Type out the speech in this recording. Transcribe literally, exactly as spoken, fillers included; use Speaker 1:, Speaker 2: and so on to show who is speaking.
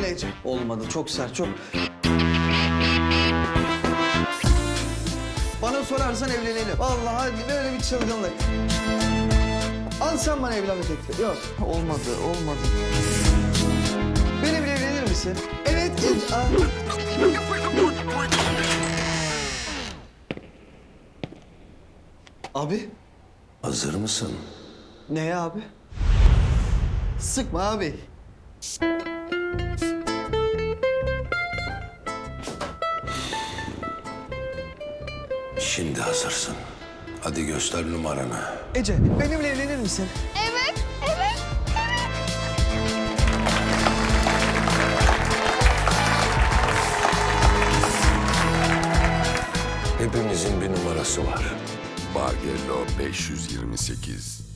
Speaker 1: Ece. Olmadı, çok sert, çok... Bana sorarsan evlenelim. Vallahi böyle bir çılgınlık. Al sen bana evlenme teklifi. Yok, olmadı, olmadı. Benimle evlenir misin? Evet, Ece. Aa. Abi.
Speaker 2: Hazır mısın?
Speaker 1: Neye abi? Sıkma abi.
Speaker 2: Şimdi hazırsın. Hadi göster numaranı.
Speaker 1: Ece, benimle evlenir misin?
Speaker 3: Evet, evet, evet.
Speaker 2: Hepimizin bir numarası var.
Speaker 4: Bargello beş yüz yirmi sekiz.